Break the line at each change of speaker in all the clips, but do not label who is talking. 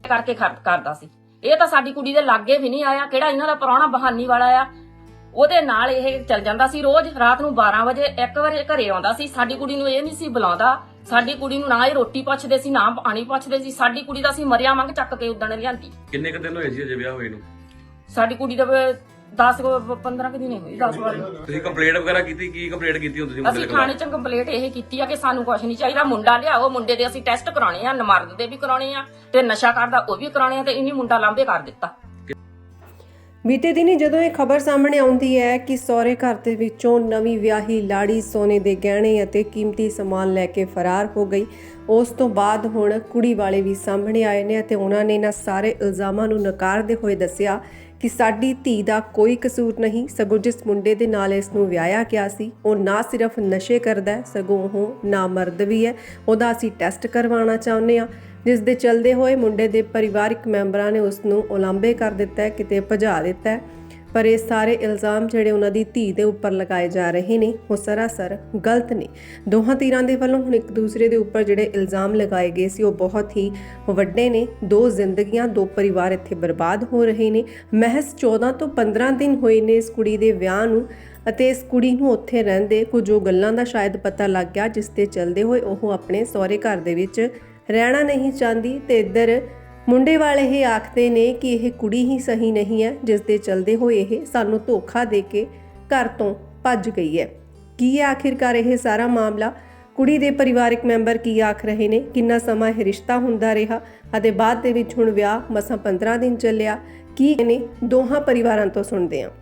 ਕਰਕੇ ਕਰਦਾ ਸੀ। ਇਹ ਤਾਂ ਸਾਡੀ ਕੁੜੀ ਦੇ ਲਾਗੇ ਵੀ ਨਹੀਂ ਆਇਆ। ਕਿਹੜਾ ਇਹਨਾਂ ਦਾ ਪ੍ਰਾਹੁਣਾ ਬਹਾਨੀ ਵਾਲਾ ਆ, ਉਹਦੇ ਨਾਲ ਇਹ ਚੱਲ ਜਾਂਦਾ ਸੀ। ਰੋਜ਼ ਰਾਤ ਨੂੰ 12 ਵਜੇ 1 ਵਜੇ ਘਰੇ ਆਉਂਦਾ ਸੀ। ਸਾਡੀ ਕੁੜੀ ਨੂੰ ਇਹ ਨਹੀਂ ਸੀ ਬੁਲਾਉਂਦਾ। ਸਾਡੀ ਕੁੜੀ ਨੂੰ ਨਾ ਇਹ ਰੋਟੀ ਪੁੱਛਦੇ ਸੀ, ਨਾ ਪਾਣੀ ਪੁੱਛਦੇ ਸੀ। ਸਾਡੀ ਕੁੜੀ ਦਾ ਅਸੀਂ ਮਰਿਆ ਮੰਗ ਚੱਕ ਕੇ ਉਦਣ ਲਿਆਂਦੀ।
ਕਿੰਨੇ ਕ ਦਿਨ ਹੋਏ ਸੀ ਅਜੇ ਵਿਆਹ ਹੋਏ ਨੂੰ?
ਸਾਡੀ ਕੁੜੀ ਦਾ 15 ਕੁ ਦਿਨ ਹੋਏ। 10 ਵਾਰ
ਤੁਸੀਂ ਕੰਪਲੇਂਟ ਵਗੈਰਾ ਕੀਤੀ? ਕੀ ਕੰਪਲੇਂਟ ਕੀਤੀ ਹੁਣ ਤੁਸੀਂ?
ਅਸੀਂ ਥਾਣੇ 'ਚ ਕੰਪਲੇਂਟ ਇਹ ਕੀਤੀ ਆ ਕਿ ਸਾਨੂੰ ਕੁਝ ਨਹੀਂ ਚਾਹੀਦਾ। ਮੁੰਡਾ ਲਿਆਓ, ਮੁੰਡੇ ਦੇ ਅਸੀਂ ਟੈਸਟ ਕਰਾਉਣੇ ਆ, ਨਮਰਦ ਦੇ ਵੀ ਕਰਾਉਣੇ ਆ ਤੇ ਨਸ਼ਾ ਕਰਦਾ ਉਹ ਵੀ ਕਰਾਉਣੇ ਆ, ਤੇ ਇਹਨੇ ਮੁੰਡਾ ਲਾਂਭੇ ਕਰ ਦਿੱਤਾ।
ਬੀਤੇ ਦਿਨੀ ਜਦੋਂ ਇਹ ਖਬਰ ਸਾਹਮਣੇ ਆਉਂਦੀ ਹੈ ਕਿ ਸਹੁਰੇ ਘਰ ਦੇ ਵਿੱਚੋਂ ਨਵੀਂ ਵਿਆਹੀ ਲਾੜੀ ਸੋਨੇ ਦੇ ਗਹਿਣੇ ਅਤੇ ਕੀਮਤੀ ਸਮਾਨ ਲੈ ਕੇ ਫਰਾਰ ਹੋ ਗਈ, ਉਸ ਤੋਂ ਬਾਅਦ ਹੁਣ ਕੁੜੀ ਵਾਲੇ ਵੀ ਸਾਹਮਣੇ ਆਏ ਨੇ ਅਤੇ ਉਹਨਾਂ ਨੇ ਇਹਨਾਂ ਸਾਰੇ ਇਲਜ਼ਾਮਾਂ ਨੂੰ ਨਕਾਰਦੇ ਹੋਏ ਦੱਸਿਆ ਕਿ ਸਾਡੀ ਧੀ ਦਾ ਕੋਈ ਕਸੂਰ ਨਹੀਂ, ਸਗੋਂ ਜਿਸ ਮੁੰਡੇ ਦੇ ਨਾਲ ਇਸ ਨੂੰ ਵਿਆਹਿਆ ਗਿਆ ਸੀ ਉਹ ਨਾ ਸਿਰਫ ਨਸ਼ੇ ਕਰਦਾ, ਸਗੋਂ ਉਹ ਨਾਮਰਦ ਵੀ ਹੈ। ਉਹਦਾ ਅਸੀਂ ਟੈਸਟ ਕਰਵਾਉਣਾ ਚਾਹੁੰਦੇ ਹਾਂ, ਜਿਸ ਦੇ ਚਲਦੇ ਹੋਏ ਮੁੰਡੇ ਦੇ ਪਰਿਵਾਰਕ ਮੈਂਬਰਾਂ ਨੇ ਉਸ ਨੂੰ ਉਲਾਂਭੇ ਕਰ ਦਿੱਤਾ ਹੈ, ਕਿਤੇ ਭਜਾ ਦਿੱਤਾ ਹੈ। ਪਰ ਇਹ ਸਾਰੇ ਇਲਜ਼ਾਮ ਜਿਹੜੇ ਉਹਨਾਂ ਦੀ ਧੀ ਦੇ ਉੱਪਰ ਲਗਾਏ ਜਾ ਰਹੇ ਨੇ ਉਹ ਸਰਾਸਰ ਗਲਤ ਨੇ। ਦੋਹਾਂ ਧਿਰਾਂ ਦੇ ਵੱਲੋਂ ਹੁਣ ਇੱਕ ਦੂਸਰੇ ਦੇ ਉੱਪਰ ਜਿਹੜੇ ਇਲਜ਼ਾਮ ਲਗਾਏ ਗਏ ਸੀ ਉਹ ਬਹੁਤ ਹੀ ਵੱਡੇ ਨੇ। 2 ਜ਼ਿੰਦਗੀਆਂ, 2 ਪਰਿਵਾਰ ਇੱਥੇ ਬਰਬਾਦ ਹੋ ਰਹੇ ਨੇ। ਮਹਿਜ਼ 14 ਤੋਂ 15 ਦਿਨ ਹੋਏ ਨੇ ਇਸ ਕੁੜੀ ਦੇ ਵਿਆਹ ਨੂੰ ਅਤੇ ਇਸ ਕੁੜੀ ਨੂੰ ਉੱਥੇ ਰਹਿੰਦੇ ਕੁਝ ਉਹ ਗੱਲਾਂ ਦਾ ਸ਼ਾਇਦ ਪਤਾ ਲੱਗ ਗਿਆ ਜਿਸ ਦੇ ਚਲਦੇ ਹੋਏ ਉਹ ਆਪਣੇ ਸਹੁਰੇ ਘਰ ਦੇ ਵਿੱਚ ਰਹਿਣਾ ਨਹੀਂ ਚਾਹੁੰਦੀ। ਤੇ ਇੱਧਰ ਮੁੰਡੇ ਵਾਲੇ ਇਹ ਆਖਦੇ ਨੇ ਕਿ ਇਹ ਕੁੜੀ ਹੀ ਸਹੀ ਨਹੀਂ ਹੈ, ਜਿਸ ਦੇ ਚਲਦੇ ਹੋਏ ਇਹ ਸਾਨੂੰ ਧੋਖਾ ਦੇ ਕੇ ਘਰ ਤੋਂ ਭੱਜ ਗਈ ਹੈ। ਕੀ ਹੈ ਆਖਿਰਕਾਰ ਇਹ ਸਾਰਾ ਮਾਮਲਾ? ਕੁੜੀ ਦੇ ਪਰਿਵਾਰਕ ਮੈਂਬਰ ਕੀ ਆਖ ਰਹੇ ਨੇ? ਕਿੰਨਾ ਸਮਾਂ ਇਹ ਰਿਸ਼ਤਾ ਹੁੰਦਾ ਰਿਹਾ ਅਤੇ ਬਾਅਦ ਦੇ ਵਿੱਚ ਹੁਣ ਵਿਆਹ ਮਸਾਂ 15 ਦਿਨ ਚੱਲਿਆ, ਕੀ ਨੇ ਦੋਹਾਂ ਪਰਿਵਾਰਾਂ ਤੋਂ ਸੁਣਦੇ ਹਾਂ।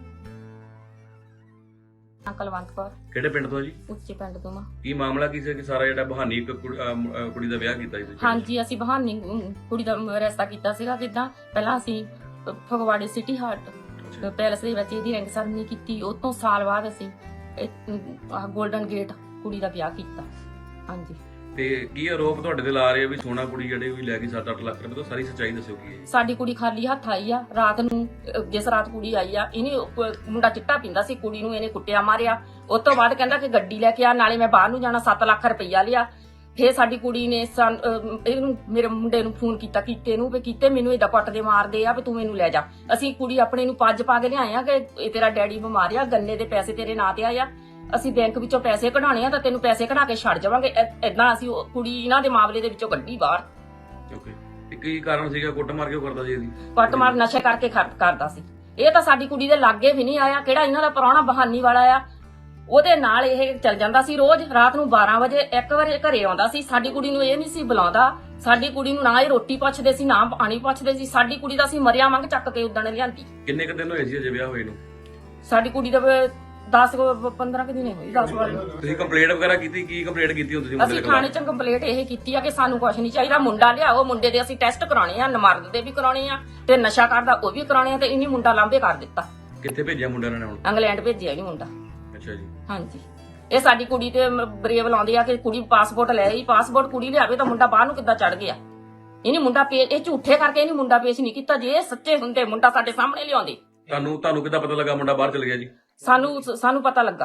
ਕੁਲਵੰਤ ਕੌਰ।
ਕਿਹੜੇ ਪਿੰਡ ਤੋਂ ਜੀ?
ਉੱਚੇ ਪਿੰਡ ਤੋਂ।
ਕੀ ਮਾਮਲਾ ਕੀ ਸੀ ਕਿ ਸਾਰਾ ਜਿਹੜਾ ਬਹਾਨੀ ਕੁੜੀ ਦਾ ਵਿਆਹ ਕੀਤਾ ਸੀ ਤੁਸੀਂ?
ਹਾਂਜੀ, ਅਸੀਂ ਬਹਾਨੀ ਕੁੜੀ ਦਾ ਰਿਸ਼ਤਾ ਕੀਤਾ ਸੀਗਾ। ਕਿੱਦਾਂ ਪਹਿਲਾਂ ਅਸੀਂ ਫਗਵਾੜੇ ਸਿਟੀ ਹਾਰਟ ਪੈਲਸ ਦੇ ਵਿੱਚ ਇਹਦੀ ਰਿੰਗ ਸੈਰਮਨੀ ਕੀਤੀ। ਉਸ ਤੋਂ ਸਾਲ ਬਾਅਦ ਅਸੀਂ ਗੋਲਡਨ ਗੇਟ ਕੁੜੀ ਦਾ ਵਿਆਹ ਕੀਤਾ। ਹਾਂਜੀ।
ਤੇ ਕੀ ਆਰੋਪ ਤੁਹਾਡੇ ਤੇ ਲਾ ਰਹੇ ਆ ਵੀ ਸੋਨਾ ਕੁੜੀ ਜਿਹੜੇ ਵੀ ਲੈ ਗਈ 7-8 ਲੱਖ ਰੁਪਏ ਤੋਂ? ਸਾਰੀ ਸੱਚਾਈ ਦੱਸਿਓ ਕੀ ਹੈ।
ਸਾਡੀ ਕੁੜੀ ਖਾਲੀ ਹੱਥ ਆਈ ਆ ਰਾਤ ਨੂੰ। ਜਿਸ ਰਾਤ ਕੁੜੀ ਆਈ ਆ, ਇਹਨੇ ਮੁੰਡਾ ਚਿੱਟਾ ਪੀਂਦਾ ਸੀ, ਕੁੜੀ ਨੂੰ ਇਹਨੇ ਕੁੱਟਿਆ ਮਾਰਿਆ। ਉਸ ਤੋਂ ਬਾਅਦ ਕਹਿੰਦਾ ਕਿ ਗੱਡੀ ਲੈ ਕੇ ਆ, ਨਾਲੇ ਮੈਂ ਬਾਹਰ ਨੂੰ ਜਾਣਾ, 7 ਲੱਖ ਰੁਪਈਆ ਲਿਆ। ਫੇਰ ਸਾਡੀ ਕੁੜੀ ਨੇ ਇਹਨੂੰ ਮੇਰੇ ਮੁੰਡੇ ਨੂੰ ਫੋਨ ਕੀਤਾ, ਕੀਤੇ ਨੂੰ, ਵੀ ਕੀਤੇ ਮੈਨੂੰ ਏਦਾਂ ਕੁੱਟਦੇ ਮਾਰਦੇ ਆ ਵੀ ਤੂੰ ਮੈਨੂੰ ਲੈ ਜਾ। ਅਸੀਂ ਕੁੜੀ ਆਪਣੇ ਨੂੰ ਪੱਜ ਪਾ ਕੇ ਲਿਆਏ ਆ ਕਿ ਇਹ ਤੇਰਾ ਡੈਡੀ ਬਿਮਾਰ ਆ, ਗੰਨੇ ਦੇ ਪੈਸੇ ਤੇਰੇ ਨਾਂ ਤੇ ਆਏ ਆ, ਅਸੀਂ ਬੈਂਕ ਵਿੱਚੋਂ ਪੈਸੇ ਕਢਾਉਣੇ ਆ ਤਾਂ ਤੈਨੂੰ ਪੈਸੇ ਕਢਾ ਕੇ ਛੱਡ ਜਾਵਾਂਗੇ। ਏਦਾਂ ਅਸੀਂ ਕੁੜੀ ਇਹਨਾਂ ਦੇ ਮਾਮਲੇ ਦੇ ਵਿੱਚੋਂ ਕੱਢੀ ਬਾਹਰ।
ਓਕੇ। ਤੇ ਕੀ ਕਾਰਨ ਸੀਗਾ? ਕੁੱਟਮਾਰ ਕਿਉਂ ਕਰਦਾ ਸੀ? ਇਹਦੀ
ਕੁੱਟਮਾਰ ਨਸ਼ੇ ਕਰਕੇ ਕਰਦਾ ਸੀ। ਇਹ ਤਾਂ ਸਾਡੀ ਕੁੜੀ ਦੇ ਲਾਗੇ ਵੀ ਨਹੀਂ ਆਇਆ। ਕਿਹੜਾ ਇਹਨਾਂ ਦਾ ਪ੍ਰਾਹੁਣਾ ਬਹਾਨੀ ਵਾਲਾ ਆ, ਉਹਦੇ ਨਾਲ ਇਹ ਚੱਲ ਜਾਂਦਾ ਸੀ। ਰੋਜ਼ ਰਾਤ ਨੂੰ 12 ਵਜੇ 1 ਵਜੇ ਘਰੇ ਆਉਂਦਾ ਸੀ। ਸਾਡੀ ਕੁੜੀ ਨੂੰ ਇਹ ਨਹੀਂ ਸੀ ਬੁਲਾਉਂਦਾ। ਸਾਡੀ ਕੁੜੀ ਨੂੰ ਨਾ ਇਹ ਰੋਟੀ ਪੁੱਛਦੇ ਸੀ, ਨਾ ਪਾਣੀ ਪੁੱਛਦੇ ਸੀ। ਸਾਡੀ ਕੁੜੀ ਦਾ ਅਸੀਂ ਮਰਿਆ ਮੰਗ ਚੱਕ ਕੇ ਉਦਣ ਲਿਆਂਦੀ।
ਕਿੰਨੇ ਕ ਦਿਨ ਹੋਏ ਸੀ ਅਜੇ ਵਿਆਹ ਹੋਏ ਨੂੰ?
ਸਾਡੀ ਕੁੜੀ ਦਾ 15 ਕੁ ਦਿਨ ਹੋਏ। 10 ਵਾਰ
ਤੁਸੀਂ ਕੰਪਲੇਂਟ ਵਗੈਰਾ ਕੀਤੀ? ਕੀ ਕੰਪਲੇਂਟ ਕੀਤੀ ਹੁਣ ਤੁਸੀਂ?
ਅਸੀਂ ਥਾਣੇ 'ਚ ਕੰਪਲੇਂਟ ਇਹ ਕੀਤੀ ਆ ਕਿ ਸਾਨੂੰ ਕੁਝ ਨਹੀਂ ਚਾਹੀਦਾ। ਮੁੰਡਾ ਲਿਆਓ, ਮੁੰਡੇ ਦੇ ਅਸੀਂ ਟੈਸਟ ਕਰਾਉਣੇ ਆ, ਨਮਰਦ ਦੇ ਵੀ ਕਰਾਉਣੇ ਆ ਤੇ ਨਸ਼ਾ ਕਰਦਾ ਉਹ ਵੀ ਕਰਾਉਣੇ ਆ, ਤੇ ਇਹਨੇ ਮੁੰਡਾ ਲਾਂਭੇ ਕਰ ਦਿੱਤਾ।
ਕਿੱਥੇ ਭੇਜਿਆ ਮੁੰਡਿਆਂ ਨੇ ਹੁਣ?
ਇੰਗਲੈਂਡ ਭੇਜਿਆ ਇਹਨੇ ਮੁੰਡਾ।
ਅੱਛਾ ਜੀ।
ਹਾਂਜੀ। ਇਹ ਸਾਡੀ ਕੁੜੀ ਤੇ ਬਰੇਵ ਲਾਉਂਦੇ ਆ ਕਿ ਕੁੜੀ ਪਾਸਪੋਰਟ ਲੈ ਆਈ। ਪਾਸਪੋਰਟ ਕੁੜੀ ਲਿਆਵੇ ਤਾਂ ਮੁੰਡਾ ਬਾਹਰ ਨੂੰ ਕਿੱਦਾਂ ਚੜ ਗਿਆ? ਇਹਨੇ ਮੁੰਡਾ ਇਹ ਝੂਠੇ ਕਰਕੇ ਇਹਨੇ ਮੁੰਡਾ ਪੇਸ਼ ਨਹੀਂ ਕੀਤਾ। ਜੇ ਇਹ ਸੱਚੇ ਹੁੰਦੇ ਮੁੰਡਾ ਸਾਡੇ ਸਾਹਮਣੇ ਲਿਆਉਂਦੇ।
ਤੁਹਾਨੂੰ ਕਿੱਦਾਂ ਪਤਾ ਲੱਗਾ ਮੁੰਡਾ ਬਾਹਰ ਚਲ ਗਿਆ ਜੀ?
ਸਾਨੂੰ ਪਤਾ ਲੱਗਾ,